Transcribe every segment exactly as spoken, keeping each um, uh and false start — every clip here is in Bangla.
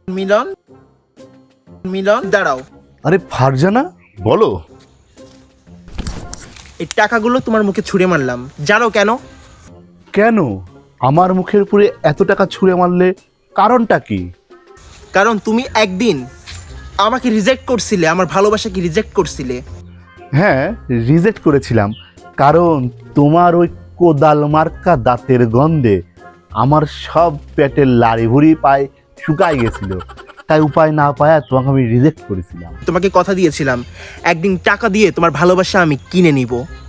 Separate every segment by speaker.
Speaker 1: মিলন মিলন দাঁড়াও।
Speaker 2: আরে ফারজানা, বলো।
Speaker 1: এই টাকাগুলো তোমার মুখে ছুঁড়ে মারলাম, জানো কেন?
Speaker 2: কেন আমার মুখের উপরে এত টাকা ছুঁড়ে মারলে? কারণটা কি?
Speaker 1: কারণ তুমি একদিন আমাকে রিজেক্ট করছিলে, আমার ভালোবাসাকে রিজেক্ট করছিলে।
Speaker 2: হ্যাঁ, রিজেক্ট করেছিলাম, কারণ তোমার ওই কোদাল মার্কা দাঁতের গন্ধে আমার সব পেটের লাড়ি ভুড়ি পায়ে শুকাই গেছিল। তাই উপায় না পায়া তোমাকে আমি রিজেক্ট করেছিলাম।
Speaker 1: তোমাকে কথা দিয়েছিলাম একদিন টাকা দিয়ে তোমার ভালোবাসা আমি কিনে নিব।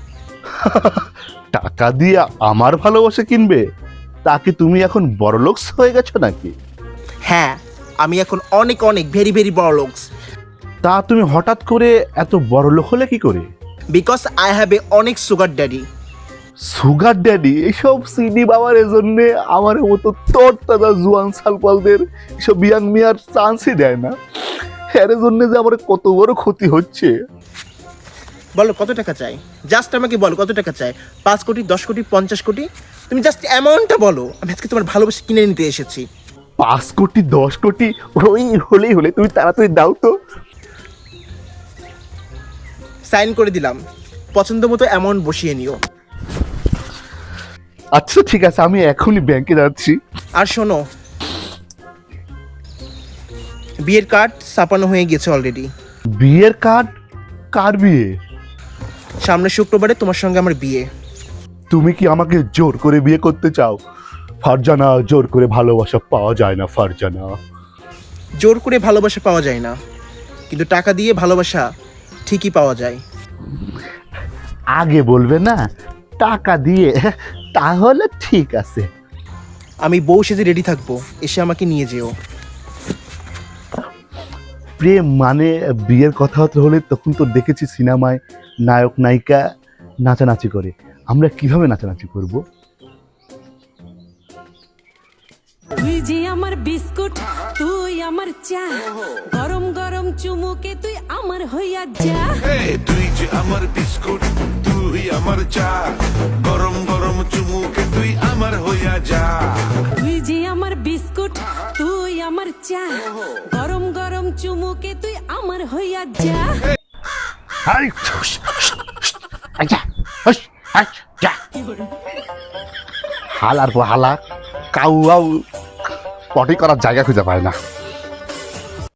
Speaker 2: টাকা দিয়ে আমার ভালোবাসা কিনবে? তা কি তুমি এখন বড়লোকস হয়ে গেছো নাকি?
Speaker 1: হ্যাঁ, আমি এখন অনেক অনেক ভেরি ভেরি বড় লোকস।
Speaker 2: তা তুমি হঠাৎ করে এত বড়লোক হলে কি করে?
Speaker 1: বিকজ আই হ্যাভ এ অনেক সুগার ড্যাডি।
Speaker 2: Sugar daddy? এসব সিডি বাবার জন্য আমার মতো তোর দাদা জুয়ান সালপালদের এসব ইয়াং মিয়ার চান্সই দেয় না। এর জন্য যে আমার কত বড় ক্ষতি হচ্ছে।
Speaker 1: বলো কত টাকা চাই, জাস্ট আমাকে বলো কত টাকা চাই। পাঁচ কোটি, দশ কোটি, পঞ্চাশ কোটি? তুমি জাস্ট অ্যামাউন্টটা বলো, আমি আজকে তোমার ভালোবাসা কিনে নিতে এসেছি।
Speaker 2: পাঁচ কোটি দশ কোটি ওই হলেই হলে, তুমি তাড়াতাড়ি দাও তো।
Speaker 1: সাইন করে দিলাম, পছন্দ মতো অ্যামাউন্ট বসিয়ে নিও।
Speaker 2: আচ্ছা ঠিক আছে, আমি এখনই ব্যাংকে যাচ্ছি।
Speaker 1: আর শোনো, বিয়ের কার্ড ছাপানো হয়ে গেছে অলরেডি।
Speaker 2: বিয়ের কার্ড? কার বিয়ে?
Speaker 1: সামনের শুক্রবারে তোমার সঙ্গে আমার বিয়ে।
Speaker 2: তুমি কি আমাকে জোর করে বিয়ে করতে চাও? ফারজানা, জোর করে ভালোবাসা পাওয়া যায় না ফারজানা।
Speaker 1: জোর করে ভালোবাসা পাওয়া যায় না, কিন্তু টাকা দিয়ে ভালোবাসা ঠিকই পাওয়া যায়।
Speaker 2: আগে বলবে না টাকা দিয়ে, তাহলে ঠিক আছে।
Speaker 1: আমি বউ সেজে রেডি থাকবো, এসে আমাকে নিয়ে যেও।
Speaker 2: প্রেম মানে বিয়ের কথা হলে তখন তো দেখেছি সিনেমায় নায়ক নায়িকা নাচানাচি করে। আমরা কিভাবে নাচানাচি করব?
Speaker 3: তুই যে আমার বিস্কুট, তুই আমার চা, গরম গরম চুমুকে তুই আমার হইয়া যা।
Speaker 4: তুই যে আমার বিস্কুট, তুই আমার চা, গরম গরম চুমুকে তুই আমার হইয়া যা।
Speaker 3: তুই যে আমার বিস্কুট, তুই আমার চা, গরম গরম চুমুকে তুই আমার হইয়া যা।
Speaker 2: হালার পর হালা কাউ পটি করার জায়গা খুঁজে পায় না।